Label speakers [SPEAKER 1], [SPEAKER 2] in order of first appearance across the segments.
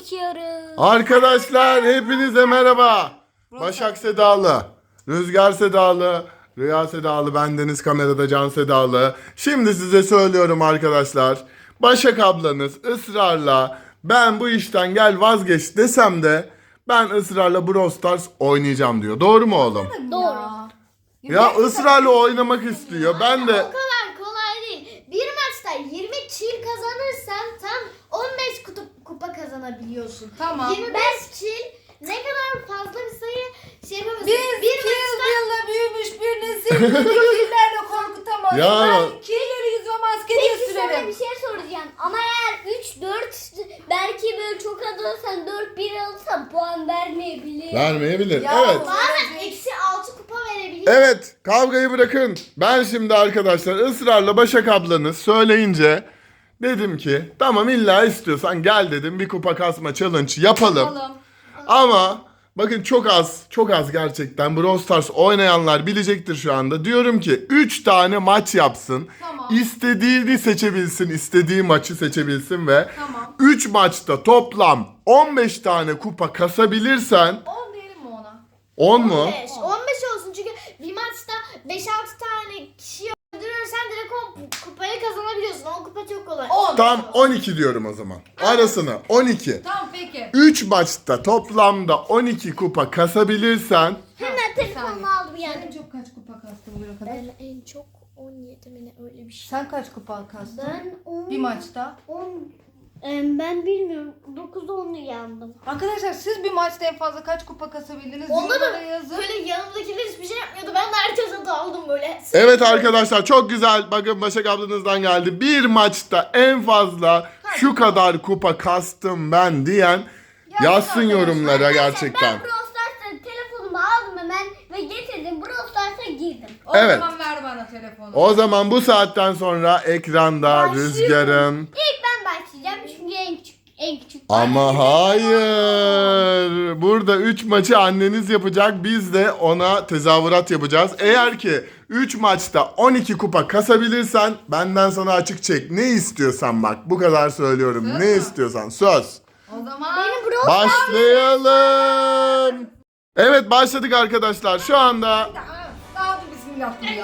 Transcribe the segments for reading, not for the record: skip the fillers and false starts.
[SPEAKER 1] çekiyoruz.
[SPEAKER 2] Arkadaşlar hepinize merhaba. Başak Sedalı, Rüzgar Sedalı, Rüya Sedalı, bendeniz kamerada Can Sedalı. Şimdi size söylüyorum arkadaşlar. Başak ablanız ısrarla ben bu işten gel vazgeç desem de ben ısrarla Brawl Stars oynayacağım diyor. Doğru mu oğlum?
[SPEAKER 1] Doğru.
[SPEAKER 2] Ya ısrarla oynamak istiyor. Ben de...
[SPEAKER 3] O kadar kolay değil. Bir maçta 20 kill kazanırsan tam 15 kupa kazanabiliyorsun.
[SPEAKER 4] Tamam.
[SPEAKER 3] 25 kill ne kadar fazla bir sayı şey yapamıyorsun.
[SPEAKER 4] Bir yılla büyümüş bir nesil beni killerle korkutamaz.
[SPEAKER 2] Ya.
[SPEAKER 4] Ben killeri yüzüme maske diye
[SPEAKER 1] Peki sana
[SPEAKER 4] sürerim.
[SPEAKER 1] bir şey soracağım. Ama eğer 3-4 belki böyle çok alırsan 4-1 alırsan puan vermeyebilir.
[SPEAKER 2] Vermeyebilir.
[SPEAKER 4] Ya,
[SPEAKER 2] Evet.
[SPEAKER 3] Bazen eksi 6 kupa verebiliyor.
[SPEAKER 2] Evet, kavgayı bırakın. Ben şimdi arkadaşlar ısrarla Başak ablanız söyleyince dedim ki tamam illa istiyorsan gel dedim bir kupa kasma challenge yapalım. Ama bakın çok az gerçekten Brawl Stars oynayanlar bilecektir şu anda. Diyorum ki 3 tane maç yapsın.
[SPEAKER 4] Tamam.
[SPEAKER 2] İstediğini seçebilsin, istediği maçı seçebilsin ve
[SPEAKER 4] Tamam.
[SPEAKER 2] 3 maçta toplam 15 tane kupa kasabilirsen
[SPEAKER 4] 10 diyelim mi ona?
[SPEAKER 2] 10 mu?
[SPEAKER 3] 15 olsun çünkü bir maçta 5-6 tane kişi öldürürsen direkt o kupayı kazanabiliyorsun. O kupa çok kolay.
[SPEAKER 4] 10.
[SPEAKER 2] Tam 12 diyorum o zaman. Arasına 12.
[SPEAKER 4] Tamam peki.
[SPEAKER 2] 3 maçta toplamda 12 kupa kasabilirsen
[SPEAKER 1] Hemen telefonumu aldım
[SPEAKER 4] Sen
[SPEAKER 1] yani.
[SPEAKER 4] en çok kaç kupa kastın bugüne kadar?
[SPEAKER 3] Ben en çok 17 mi ne öyle bir şey.
[SPEAKER 4] Sen kaç kupa kastın?
[SPEAKER 1] Ben 10,
[SPEAKER 4] Bir maçta.
[SPEAKER 1] 10 ben bilmiyorum. 9-10'lu yandım.
[SPEAKER 4] Arkadaşlar siz bir maçta en fazla kaç kupa kasabildiniz?
[SPEAKER 3] Onda
[SPEAKER 4] Yorumlara
[SPEAKER 3] da
[SPEAKER 4] yazın.
[SPEAKER 3] böyle yanımdakiler hiçbir şey yapmıyordu. Ben de herkese daldım böyle.
[SPEAKER 2] evet arkadaşlar çok güzel. Bakın Başak ablanızdan geldi. Bir maçta en fazla şu kadar kupa kastım ben diyen yazsın yorumlara gerçekten.
[SPEAKER 1] Ben Brawl Stars'ta telefonumu aldım hemen ve getirdim. Brawl Stars'a girdim.
[SPEAKER 4] O
[SPEAKER 2] Evet.
[SPEAKER 4] zaman ver bana telefonu.
[SPEAKER 2] O zaman bu saatten sonra ekranda Rüzgar'ın
[SPEAKER 1] İlk ben başlayacağım çünkü en küçük.
[SPEAKER 2] ama hayır. Burada 3 maçı anneniz yapacak. Biz de ona tezahürat yapacağız. Eğer ki 3 maçta 12 kupa kasabilirsen benden sana açık çek. Ne istiyorsan bak. Bu kadar söylüyorum.
[SPEAKER 4] Söz
[SPEAKER 2] Ne
[SPEAKER 4] mü?
[SPEAKER 2] istiyorsan söz.
[SPEAKER 4] O zaman
[SPEAKER 1] Benim Brawl
[SPEAKER 2] Başlayalım. Evet başladık arkadaşlar. Şu anda
[SPEAKER 4] daha bir bismillah diyor.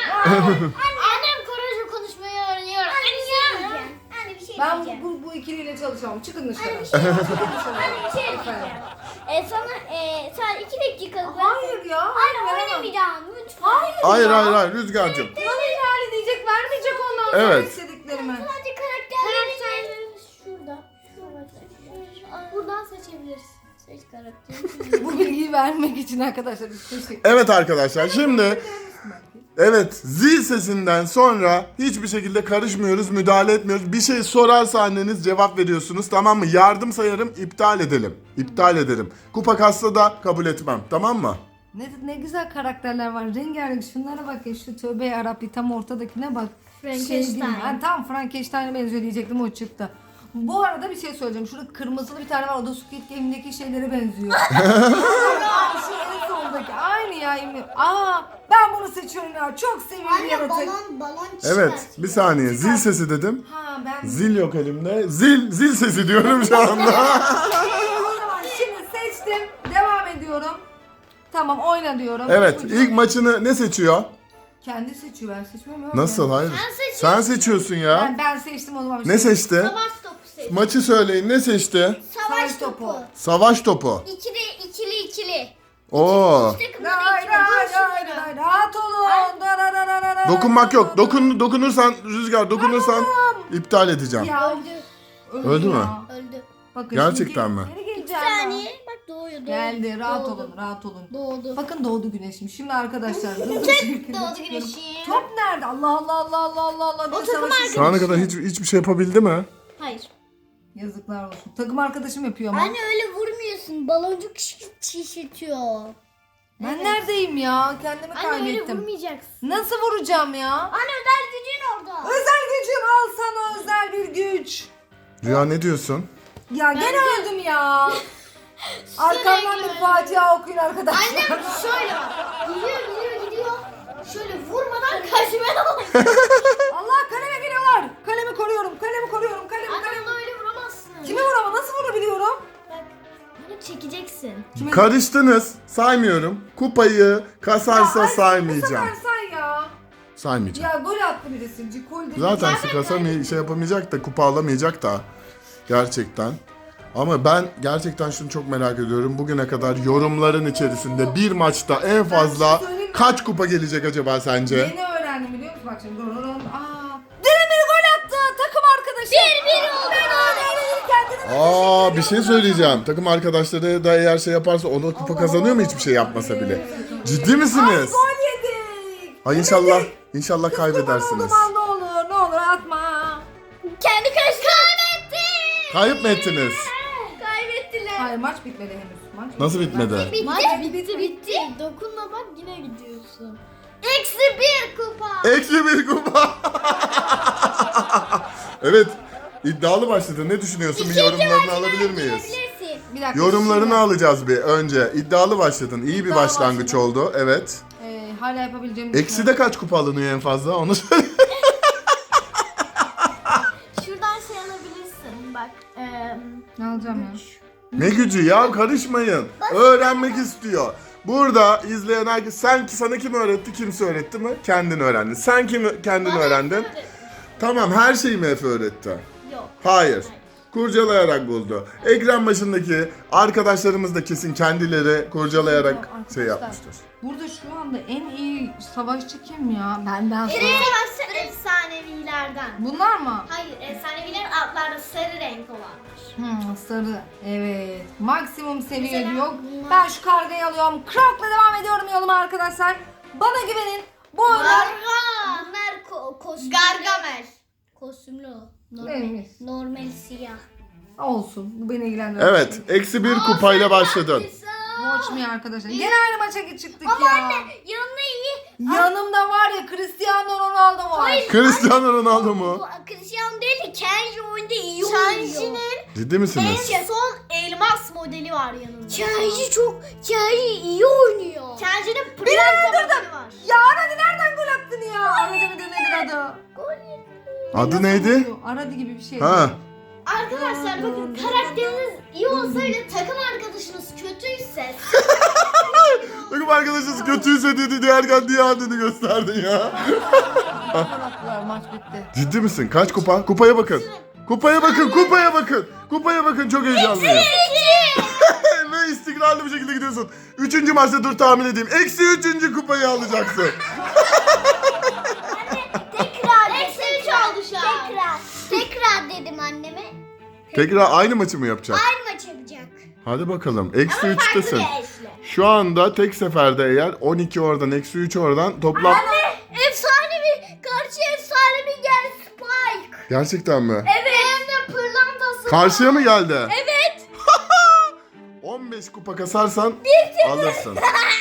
[SPEAKER 3] Annem Korece konuşmayı öğreniyor.
[SPEAKER 1] Anne bir şey
[SPEAKER 4] Ben
[SPEAKER 1] diyeceğim.
[SPEAKER 4] bu ikiliyle çalışamam. Çıkın dışarı.
[SPEAKER 1] Anne bir şey diyeceğim. Sana sen 2 dakika.
[SPEAKER 4] Hayır ya.
[SPEAKER 1] Anne
[SPEAKER 4] veremem.
[SPEAKER 1] oynamayacağım lütfen.
[SPEAKER 2] hayır Rüzgar'cığım.
[SPEAKER 4] Bana ihlal edecek, vermeyecek ondan sonra
[SPEAKER 2] Evet.
[SPEAKER 4] istediklerimi.
[SPEAKER 1] Sadece karakterlerini
[SPEAKER 3] Şurada.
[SPEAKER 1] buradan seçebilirsin. Seç karakteri.
[SPEAKER 4] Bu bilgiyi vermek için arkadaşlar biz teşekkür
[SPEAKER 2] Evet arkadaşlar şimdi evet zil sesinden sonra hiçbir şekilde karışmıyoruz, müdahale etmiyoruz. Bir şey sorarsa anneniz cevap veriyorsunuz, tamam mı? Yardım sayarım, iptal edelim. İptal ederim. Kupa kassa da kabul etmem, tamam mı?
[SPEAKER 4] Ne güzel karakterler var. Rengarenk şunlara bak ya, şu tövbe yarabbi tam ortadakine bak.
[SPEAKER 3] Frankenstein.
[SPEAKER 4] Ben tam Frankenstein'e benziyor diyecektim, o çıktı. Bu arada bir şey söyleyeceğim. Şurada kırmızılı bir tane var. O da Squid Game'deki şeylere benziyor. Şu en sondaki. Aynı ya. Ben bunu seçiyorum ya. Çok sevimli
[SPEAKER 3] Anne
[SPEAKER 4] yaratık.
[SPEAKER 3] balon
[SPEAKER 2] Evet, bir saniye. Zil sesi dedim.
[SPEAKER 4] Ha ben...
[SPEAKER 2] Zil yok elimde. Zil sesi diyorum şu anda.
[SPEAKER 4] O zaman şimdi seçtim. Devam ediyorum. Tamam, oyna diyorum.
[SPEAKER 2] Evet,
[SPEAKER 4] İpucu.
[SPEAKER 2] ilk maçını ne seçiyor?
[SPEAKER 4] Kendi seçiyor, ben seçmiyorum.
[SPEAKER 2] Nasıl? Hayır. Sen seçiyorsun ya.
[SPEAKER 4] Ben seçtim o zaman.
[SPEAKER 2] Ne seçti?
[SPEAKER 3] Savaş topu seç.
[SPEAKER 2] Maçı söyleyin. Ne seçti?
[SPEAKER 3] Savaş topu.
[SPEAKER 2] Savaş topu.
[SPEAKER 1] İkili.
[SPEAKER 2] Oo.
[SPEAKER 4] Hayır, rahat olun.
[SPEAKER 2] Dokunmak yok. Dokunursan Rüzgar dokunursan iptal edeceğim.
[SPEAKER 4] Ya,
[SPEAKER 2] Öldü mü?
[SPEAKER 4] ya.
[SPEAKER 1] Öldü.
[SPEAKER 4] Bakın
[SPEAKER 2] Gerçekten
[SPEAKER 4] şimdi
[SPEAKER 2] mi?
[SPEAKER 4] geri
[SPEAKER 1] Bir
[SPEAKER 4] geleceğim.
[SPEAKER 1] saniye. Bak doğuyor.
[SPEAKER 4] Geldi, rahat
[SPEAKER 1] Doğdu.
[SPEAKER 4] olun, rahat olun.
[SPEAKER 1] Doğdu.
[SPEAKER 4] Bakın doğdu güneşim. Şimdi arkadaşlar hızlı bir şekilde
[SPEAKER 3] Doğdu
[SPEAKER 4] çıkıyorum.
[SPEAKER 3] güneşim.
[SPEAKER 4] Top nerede? Allah. Bir
[SPEAKER 3] takım
[SPEAKER 4] savaşı-
[SPEAKER 2] Şu ana kadar hiçbir şey yapabildi mi?
[SPEAKER 1] Hayır.
[SPEAKER 4] Yazıklar olsun. Takım arkadaşım yapıyor ama.
[SPEAKER 1] Anne öyle vurmuyorsun. Baloncuk şişirtiyor.
[SPEAKER 4] Ben neredeyim ya? Kendimi
[SPEAKER 3] Anne öyle
[SPEAKER 4] kaybettim.
[SPEAKER 3] vurmayacaksın.
[SPEAKER 4] Nasıl vuracağım ya?
[SPEAKER 1] Anne özel gücün orada.
[SPEAKER 4] Özel gücüm, al sana özel bir güç.
[SPEAKER 2] Rüya ne diyorsun?
[SPEAKER 4] Ya gene öldüm ya. Arkamdan bir Fatiha okuyun arkadaşlar.
[SPEAKER 3] Annem şöyle bak. Gidiyor. Şöyle vurmadan kaçmaya bak.
[SPEAKER 4] Allah, kaleme geliyorlar. Kalemi koruyorum.
[SPEAKER 3] Anne onu öyle vuramazsın.
[SPEAKER 4] Kimi vuramam? Nasıl vurabiliyorum?
[SPEAKER 3] sayabilirsin.
[SPEAKER 2] Karıştınız. Saymıyorum. Kupayı kasarsa
[SPEAKER 4] Bu
[SPEAKER 2] saymayacağım.
[SPEAKER 4] sefer say ya.
[SPEAKER 2] Saymayacağım.
[SPEAKER 4] Ya gol attı birisi. Cikol dedi.
[SPEAKER 2] Zaten şey yapamayacak da kupa alamayacak da. Gerçekten. Ama ben gerçekten şunu çok merak ediyorum. Bugüne kadar yorumların içerisinde bir maçta en fazla
[SPEAKER 4] söyleyeyim mi?
[SPEAKER 2] kaç kupa gelecek acaba sence?
[SPEAKER 4] Yeni öğrendim biliyor musun? Bak şimdi. Demir gol attı. Takım arkadaşı. 1-1 oldu.
[SPEAKER 2] Aa, bir şey söyleyeceğim. Takım arkadaşları da eğer şey yaparsa ona kupa kazanıyor mu hiçbir şey yapmasa bile? Ciddi misiniz?
[SPEAKER 4] Gol yedik.
[SPEAKER 2] Ay inşallah kaybedersiniz.
[SPEAKER 4] Ne olur atma.
[SPEAKER 1] Kendi karıştı. Kaybetti.
[SPEAKER 2] Kayıp mı ettiniz?
[SPEAKER 1] Kaybettiler.
[SPEAKER 4] Hayır maç bitmedi henüz. Maç
[SPEAKER 2] Nasıl bitmedi?
[SPEAKER 3] Maç bitti. Dokunma bak yine gidiyorsun. Eksi 1 kupa.
[SPEAKER 2] Eksi bir kupa. Evet. İddialı başladı. Ne düşünüyorsun? Bir yorumlarını alabilir miyiz?
[SPEAKER 1] Girebilirsin.
[SPEAKER 4] Bir dakika.
[SPEAKER 2] Yorumlarını alacağız bir önce. İddialı başladın. İyi bir
[SPEAKER 4] İddialı
[SPEAKER 2] başlangıç oldu. Evet.
[SPEAKER 4] Hala yapabileceğim.
[SPEAKER 2] Eksi de kaç kupa alınıyor en fazla? Onu söyle.
[SPEAKER 3] Şuradan şey alabilirsin bak.
[SPEAKER 4] Ne alacağım ya?
[SPEAKER 2] Ne gücü ya, karışmayın. Öğrenmek istiyor. Burada izleyen herkes sana kim öğretti, kimse öğretti mi? Kendin öğrendin. Sen kendin öğrendin? Tamam, her şeyi mi Efe öğretti?
[SPEAKER 3] Yok.
[SPEAKER 2] Hayır. Kurcalayarak buldu. Ekran başındaki arkadaşlarımız da kesin kendileri kurcalayarak
[SPEAKER 4] Arkadaşlar,
[SPEAKER 2] şey yapmıştır.
[SPEAKER 4] Burada şu anda en iyi savaşçı kim ya? Benden sonra.
[SPEAKER 3] Savaşçı efsanevilerden.
[SPEAKER 4] Bunlar mı?
[SPEAKER 3] Hayır efsaneviler altlarda sarı renk olanlar.
[SPEAKER 4] Sarı. Evet. Maksimum seviye
[SPEAKER 3] Mesela
[SPEAKER 4] diyor.
[SPEAKER 3] bunlar-
[SPEAKER 4] Ben şu kargayı alıyorum. Krok'la devam ediyorum yoluma arkadaşlar. Bana güvenin. Bu oyunda...
[SPEAKER 1] Bunlar kostümlü.
[SPEAKER 3] Gargamel.
[SPEAKER 1] Kostümlü o.
[SPEAKER 4] Neymiş?
[SPEAKER 1] Normal siyah.
[SPEAKER 4] Olsun. Bu beni ilgilendirmez.
[SPEAKER 2] Evet, eksi bir kupayla başladın.
[SPEAKER 4] Watch me arkadaşlar. Gene aynı maça çıktık
[SPEAKER 1] Ama
[SPEAKER 4] ya.
[SPEAKER 1] anne yanına iyi.
[SPEAKER 4] Yanımda var ya Cristiano Ronaldo var.
[SPEAKER 2] Cristiano Ronaldo mu?
[SPEAKER 1] Bu Cristiano değil de Kenji oyunda iyi oynuyor.
[SPEAKER 3] Kenji'nin
[SPEAKER 2] Ciddi misiniz?
[SPEAKER 3] en son elmas modeli var yanında.
[SPEAKER 1] Kenji iyi oynuyor.
[SPEAKER 3] Kenji'nin pırlanta modeli var.
[SPEAKER 4] Ya Aradi nereden gol attın ya? Aradi midir nedir adı?
[SPEAKER 2] Adı neydi?
[SPEAKER 4] Aradi gibi bir şey.
[SPEAKER 2] Ha.
[SPEAKER 3] Arkadaşlar bakın karakteriniz iyi olsa bile takım arkadaşınız kötüyse
[SPEAKER 2] Takım arkadaşınız kötüyse dedi derken diye adını gösterdin ya.
[SPEAKER 4] Attılar, maç bitti.
[SPEAKER 2] Ciddi misin? Kaç kupa? Kupaya bakın. Kupaya bakın, kupaya bakın. Kupaya bakın, çok heyecanlıyım. Ve istikrarlı bir şekilde gidiyorsun. 3. maçta dur tahmin edeyim. Eksi 3. kupayı alacaksın.
[SPEAKER 1] Tekrar.
[SPEAKER 3] eksi 3 oldu şu an.
[SPEAKER 1] Tekrar dedim anneme.
[SPEAKER 2] Tekrar aynı maçı mı yapacak?
[SPEAKER 1] Aynı maç yapacak.
[SPEAKER 2] Hadi bakalım. Eksi
[SPEAKER 3] Farklı
[SPEAKER 2] 3'tesin.
[SPEAKER 3] bir eşle.
[SPEAKER 2] Şu anda tek seferde eğer 12 oradan, eksi 3 oradan toplam...
[SPEAKER 1] Efsane karşı efsane bir gel Spike.
[SPEAKER 2] Gerçekten mi?
[SPEAKER 1] Evet.
[SPEAKER 3] Hem de pırlantası.
[SPEAKER 2] Karşıya mı geldi?
[SPEAKER 1] Evet.
[SPEAKER 2] 15 kupa kasarsan alırsın.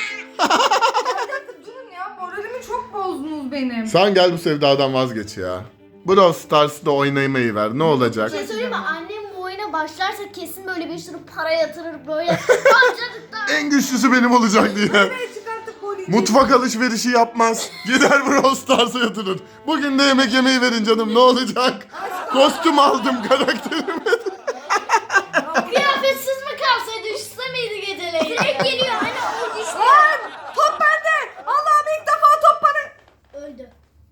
[SPEAKER 4] Durun ya, moralimi çok bozdunuz benim.
[SPEAKER 2] Sen gel bu sevdadan vazgeç ya. Brawl Stars'da oynamayı ver. Ne olacak?
[SPEAKER 3] Bir şey söyleyeyim mi? Annem bu oyuna başlarsa kesin böyle bir sürü para yatırır böyle. Harcadıktan.
[SPEAKER 2] En güçlüsü benim olacak diye.
[SPEAKER 4] Nereye çıkarttık golü?
[SPEAKER 2] Mutfak alışverişi yapmaz. Gider Brawl Stars'a yatırır. Bugün de yemek yemeyi verin canım, ne olacak? Kostüm aldım karakterime.
[SPEAKER 3] Kıyafetsiz mi kalsaydı üşüse miydi geceleyin?
[SPEAKER 1] Direkt geliyor hani o işte.
[SPEAKER 4] Lan! Top bende! Allah'ım ilk defa top bana!
[SPEAKER 3] Öldü.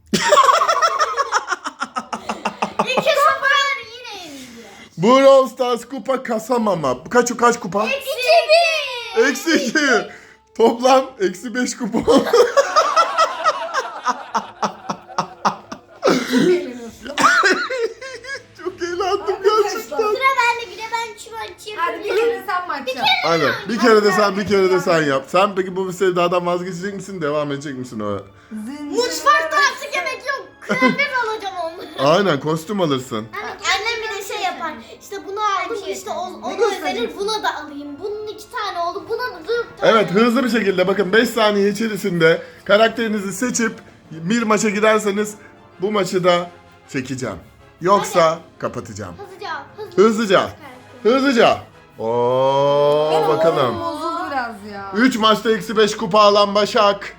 [SPEAKER 3] 2-0 yine yenildi.
[SPEAKER 2] Brawl Stars kupa kasamama. Kaç kupa? Eksi 2. Toplam eksi 5 kupa. Çok eğlendim gerçekten.
[SPEAKER 1] Sıra bende bir de ben şu açayım.
[SPEAKER 4] Hadi bir kere sen maç yap.
[SPEAKER 2] Aynen. Bir kere de sen, bir kere de sen yap. Sen peki bu sevdadan vazgeçecek misin? Devam edecek misin o?
[SPEAKER 3] Mutfakta artık yemek yok. Kıyafet alacağım onları.
[SPEAKER 2] Aynen, kostüm alırsın.
[SPEAKER 3] Annem bir de şey yapar. İşte bunu aldım işte onu özenir buna da alayım. Bunun 2 tane oldu buna da 4 tane.
[SPEAKER 2] Evet, hızlı bir şekilde bakın 5 saniye içerisinde karakterinizi seçip bir maça giderseniz bu maçı da çekeceğim. Yoksa kapatacağım. Hızlıca. Hızlıca. Oo,
[SPEAKER 4] Benim moralim
[SPEAKER 2] bakalım.
[SPEAKER 4] bozuldu biraz ya.
[SPEAKER 2] 3 maçta eksi 5 kupa alan Başak.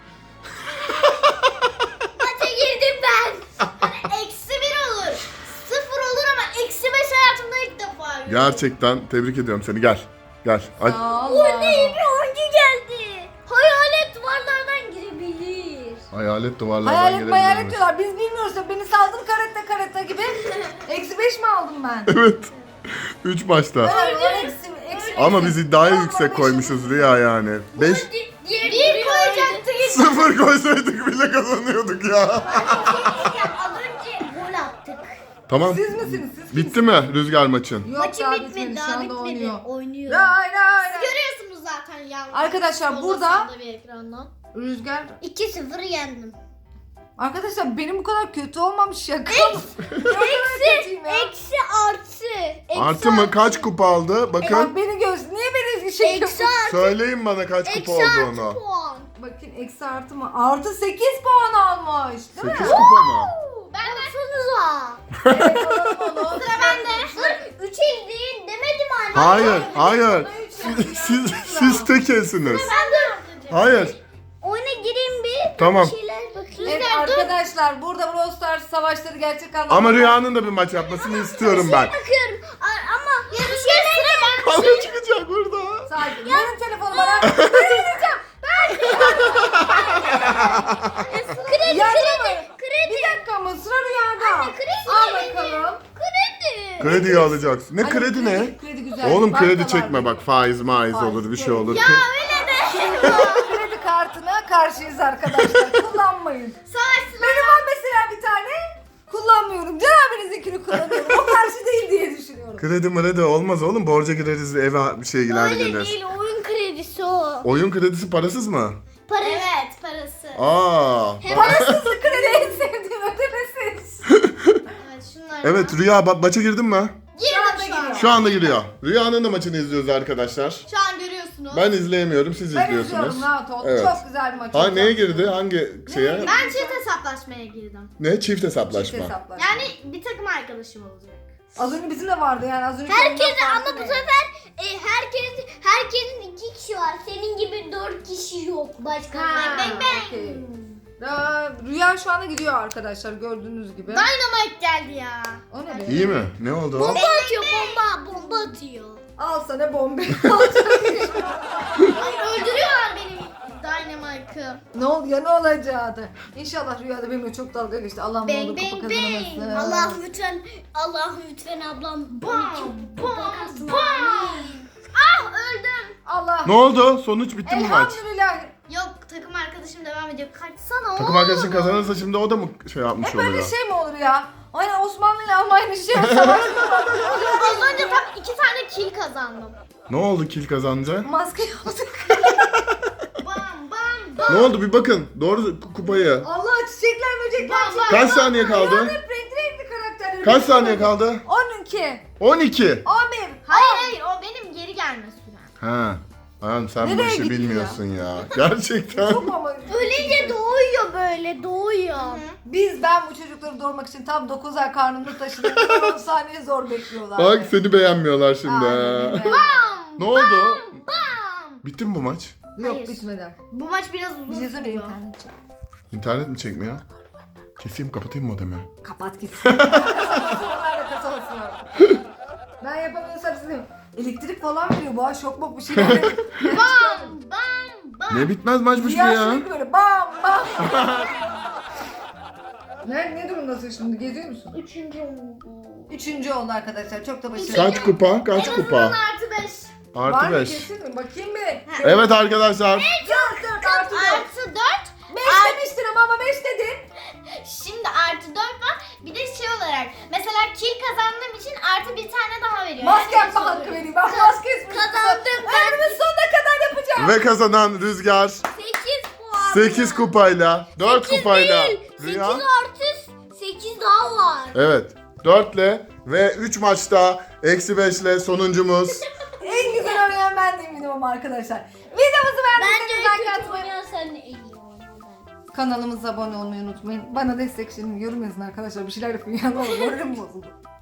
[SPEAKER 1] Maça girdim ben.
[SPEAKER 3] Eksi 1 olur. 0 olur ama eksi 5 hayatımda ilk defa görüyorum.
[SPEAKER 2] Gerçekten tebrik ediyorum seni, gel. Gel. Aç.
[SPEAKER 1] Orada bir oyuncu geldi. Hayalet duvarlardan girebilir.
[SPEAKER 2] Hayalet duvarlardan
[SPEAKER 4] Hayalet
[SPEAKER 2] girebilir
[SPEAKER 4] hayalet
[SPEAKER 2] mi?
[SPEAKER 4] diyorlar. Biz bilmiyoruz da beni saldın karetta gibi. -5 mi aldım ben?
[SPEAKER 2] Evet. 3 maçta.
[SPEAKER 4] Eksi
[SPEAKER 2] Ama biz iddiayı yüksek koymuşuz Rüya yani. 5
[SPEAKER 1] Bir koyacaktık.
[SPEAKER 2] 0 koysaydık bile kazanıyorduk ya.
[SPEAKER 1] Az önce gol attık.
[SPEAKER 2] Tamam.
[SPEAKER 4] Siz misiniz? Siz
[SPEAKER 2] Bitti mi Rüzgar maçın?
[SPEAKER 4] Yok
[SPEAKER 1] Maçı
[SPEAKER 4] daha
[SPEAKER 1] bitmedi,
[SPEAKER 4] bitmedi.
[SPEAKER 1] daha
[SPEAKER 4] Şu anda
[SPEAKER 1] bitmedi.
[SPEAKER 4] oynuyor.
[SPEAKER 1] Oynuyor.
[SPEAKER 4] Ray ray ray.
[SPEAKER 3] Görüyorsunuz zaten ya.
[SPEAKER 4] Arkadaşlar burada
[SPEAKER 3] bir ekrandan.
[SPEAKER 4] Rüzgar.
[SPEAKER 1] 2-0 yendim.
[SPEAKER 4] Arkadaşlar benim bu kadar kötü olmam şaka mı?
[SPEAKER 1] Eksi artı. Eksi
[SPEAKER 2] Artı mı? Kaç kupa aldı? Bakın.
[SPEAKER 4] Bak beni niye beni şey
[SPEAKER 1] Eksi
[SPEAKER 4] yapıyorsun?
[SPEAKER 1] artı.
[SPEAKER 2] Söyleyin bana kaç kupa
[SPEAKER 1] Eksi artı
[SPEAKER 2] olduğunu.
[SPEAKER 1] puan.
[SPEAKER 4] Bakın eksi artı mı? Artı 8 puan almış. Değil
[SPEAKER 2] 8
[SPEAKER 4] mi?
[SPEAKER 2] kupa mı?
[SPEAKER 1] Baksanıza.
[SPEAKER 4] Evet alalım onu.
[SPEAKER 1] Sıra bende. Dur 3 el değil demedim anne.
[SPEAKER 2] Hayır, hayır. Siz tekelsiniz.
[SPEAKER 1] Ben dur.
[SPEAKER 2] Hayır.
[SPEAKER 1] Oyuna gireyim bir.
[SPEAKER 2] Tamam.
[SPEAKER 1] Bir şeyler bakayım.
[SPEAKER 4] Evet arkadaşlar burada Brawl Stars savaşları gerçek anlamda.
[SPEAKER 2] Ama Rüya'nın da bir maç yapmasını istiyorum ben.
[SPEAKER 1] Bakıyorum. Ama bir şeyler
[SPEAKER 2] Kavga çıkacak burada.
[SPEAKER 4] Sakin. Verin telefonu bana. Vereceğim.
[SPEAKER 1] kredi
[SPEAKER 4] Yardım
[SPEAKER 1] kredi.
[SPEAKER 4] Bir dakika ama sıra Rüya'da.
[SPEAKER 1] Anne, kredi
[SPEAKER 4] Al
[SPEAKER 1] verin.
[SPEAKER 4] bakalım.
[SPEAKER 1] Kredi.
[SPEAKER 2] Krediyi alacaksın. Ne
[SPEAKER 4] Hani
[SPEAKER 2] kredi ne?
[SPEAKER 4] Kredi güzel.
[SPEAKER 2] Oğlum kredi
[SPEAKER 4] Bankalar
[SPEAKER 2] çekme
[SPEAKER 4] gibi.
[SPEAKER 2] bak faiz maiz
[SPEAKER 4] Faiz,
[SPEAKER 2] olur bir şey
[SPEAKER 4] kredi.
[SPEAKER 2] olur.
[SPEAKER 4] Kredi kartına karşıyız arkadaşlar. Kullanmayın. Benim var mesela bir tane. Kullanmıyorum. Can abinizinkini kullanıyorum. O karşı değil diye düşünüyorum.
[SPEAKER 2] Kredi mredi olmaz oğlum. Borca gireriz eve bir şeyler
[SPEAKER 1] Öyle
[SPEAKER 2] gelir.
[SPEAKER 1] değil oyun kredisi o.
[SPEAKER 2] Oyun kredisi parasız mı?
[SPEAKER 1] Para.
[SPEAKER 3] Evet parası.
[SPEAKER 2] Aa.
[SPEAKER 4] Parasız kredi en sevdiğim ödemesiz.
[SPEAKER 3] Evet şunlar.
[SPEAKER 2] Evet Rüya maça girdin mi?
[SPEAKER 3] Girdim şu an.
[SPEAKER 2] Şu anda giriyor. Rüya'nın da maçını izliyoruz arkadaşlar.
[SPEAKER 3] Şu an görüyorsunuz.
[SPEAKER 2] Ben izleyemiyorum siz
[SPEAKER 4] Ben
[SPEAKER 2] izliyorsunuz.
[SPEAKER 4] izliyorum rahat ol.
[SPEAKER 2] Evet.
[SPEAKER 4] Çok güzel bir maç.
[SPEAKER 2] Ha
[SPEAKER 4] olacak.
[SPEAKER 2] neye girdi? Hangi şeye?
[SPEAKER 3] Ben çift hesaplaşmaya girdim.
[SPEAKER 2] Ne? Çift hesaplaşma.
[SPEAKER 4] Çift hesaplar.
[SPEAKER 3] Yani bir takım arkadaşım olacak.
[SPEAKER 4] Az önce bizim de vardı yani az önce.
[SPEAKER 1] Herkes
[SPEAKER 4] ondan
[SPEAKER 1] ama
[SPEAKER 4] farklı
[SPEAKER 1] bu
[SPEAKER 4] değil.
[SPEAKER 1] sefer herkesin 2 kişi var. Senin gibi 4 kişi yok. Başka.
[SPEAKER 4] Ha,
[SPEAKER 1] Bang bang bang.
[SPEAKER 4] okey. Rüya şu anda gidiyor arkadaşlar gördüğünüz gibi.
[SPEAKER 3] Dynamite geldi ya.
[SPEAKER 4] O ne be?
[SPEAKER 2] İyi mi? Ne oldu o?
[SPEAKER 1] Bomba atıyor bomba atıyor.
[SPEAKER 4] Al sana bombe.
[SPEAKER 3] Ay öldürüyorlar benim Dynamite'ı.
[SPEAKER 4] Ne oldu ya ne olacaktı? İnşallah Rüyada benimle çok dalga geçti. Allah'ım ne
[SPEAKER 3] Bang,
[SPEAKER 4] olur kupa
[SPEAKER 3] bang,
[SPEAKER 4] kazanamasın.
[SPEAKER 1] Allah'ım lütfen ablam.
[SPEAKER 3] Bam bam
[SPEAKER 1] Kasım.
[SPEAKER 3] bam. Ah öldüm.
[SPEAKER 4] Allah.
[SPEAKER 2] Ne oldu? Sonuç bitti mi maç?
[SPEAKER 4] Elhamdülillah.
[SPEAKER 3] Yok takım arkadaşım devam ediyor. Kaçsana oğlum.
[SPEAKER 2] Takım arkadaşın kazanırsa şimdi o da mı şey yapmış
[SPEAKER 4] Hep böyle
[SPEAKER 2] oluyor?
[SPEAKER 4] şey mi olur ya? Aynen Osmanlı ile Almanya şey savaştılar.
[SPEAKER 3] Az önce tam 2 tane kill kazandım.
[SPEAKER 2] Ne oldu kill kazanınca?
[SPEAKER 4] Maske yaptık.
[SPEAKER 3] Bam bam bam.
[SPEAKER 2] Ne oldu bir bakın. Doğru kupayı.
[SPEAKER 4] Allah çiçekler böcekler
[SPEAKER 3] Bam, bam.
[SPEAKER 4] çıktı.
[SPEAKER 2] Kaç saniye kaldı?
[SPEAKER 4] Hep renkli karakterler.
[SPEAKER 2] Kaç saniye kaldı?
[SPEAKER 4] 12.
[SPEAKER 2] 12.
[SPEAKER 4] 11.
[SPEAKER 3] Hayır o benim geri gelme sürem.
[SPEAKER 2] Ha. Ayağım sen bu
[SPEAKER 4] Nereye
[SPEAKER 2] işi
[SPEAKER 4] gitti
[SPEAKER 2] bilmiyorsun ya. Gerçekten.
[SPEAKER 4] Çok ama.
[SPEAKER 1] Ölünce doğuyor böyle doğuyor.
[SPEAKER 4] Ben bu çocukları doğurmak için tam 9 ay karnımda taşıdım. 10 saniye zor bekliyorlar.
[SPEAKER 2] Bak seni beğenmiyorlar şimdi.
[SPEAKER 4] Aynen
[SPEAKER 2] ha.
[SPEAKER 4] öyle.
[SPEAKER 2] Ne oldu?
[SPEAKER 3] Bam.
[SPEAKER 2] Bitti mi bu maç?
[SPEAKER 4] Yok
[SPEAKER 3] Hayır.
[SPEAKER 4] bitmedi.
[SPEAKER 3] Bu maç biraz uzun
[SPEAKER 4] Bir şey söyleyeyim
[SPEAKER 3] sürüyor.
[SPEAKER 4] internet çek.
[SPEAKER 2] İnternet mi çekmiyor? Keseyim kapatayım modemi.
[SPEAKER 4] Kapat gitsin. Ben yapamıyorsam size elektrik falan veriyor. Bu ay şok bok bir şeyler.
[SPEAKER 3] Bam bam bam.
[SPEAKER 2] Ne bitmez maçmış bu
[SPEAKER 4] Ya
[SPEAKER 2] ya.
[SPEAKER 4] sürekli böyle bam bam. ne durumdasın şimdi? Geziyor musun? 3. oldu arkadaşlar. Çok da başarılı.
[SPEAKER 2] Kaç kupa? Kaç kupa?
[SPEAKER 3] Artı 5.
[SPEAKER 4] Var
[SPEAKER 2] Artı
[SPEAKER 4] mı
[SPEAKER 2] 5.
[SPEAKER 4] kesin mi? Bakayım bir.
[SPEAKER 2] Evet arkadaşlar.
[SPEAKER 4] 4 artı 4.
[SPEAKER 3] Artı 4.
[SPEAKER 4] 5 demiştin ama 5 dedin.
[SPEAKER 3] Şimdi artı 4 var. Bir de şey olarak. Mesela kill kazandığım için artı bir tane daha veriyor.
[SPEAKER 4] Maske
[SPEAKER 3] Yani
[SPEAKER 4] yapma
[SPEAKER 3] beş
[SPEAKER 4] hakkı
[SPEAKER 3] oluyor.
[SPEAKER 4] vereyim. Ben maske
[SPEAKER 1] Kazandım ben.
[SPEAKER 4] Ömrümün sonuna kadar yapacağım.
[SPEAKER 2] Ve kazanan Rüzgar
[SPEAKER 1] 8 puan.
[SPEAKER 2] 8 kupayla, 4 kupayla Rüya.
[SPEAKER 1] 8 artı 8 daha var.
[SPEAKER 2] Evet. 4 ile ve 3 maçta eksi 5 ile sonuncumuz.
[SPEAKER 4] En güzel oynayan ben de eminim ama arkadaşlar. Videomuzu beğendiyseniz like
[SPEAKER 1] Bence
[SPEAKER 4] atmayı.
[SPEAKER 1] oynayan sen de en iyi oynayan.
[SPEAKER 4] Kanalımıza abone olmayı unutmayın. Bana destek için yorum yazın arkadaşlar. Bir şeyler yapın ya. Ne olur moralim bozuldu.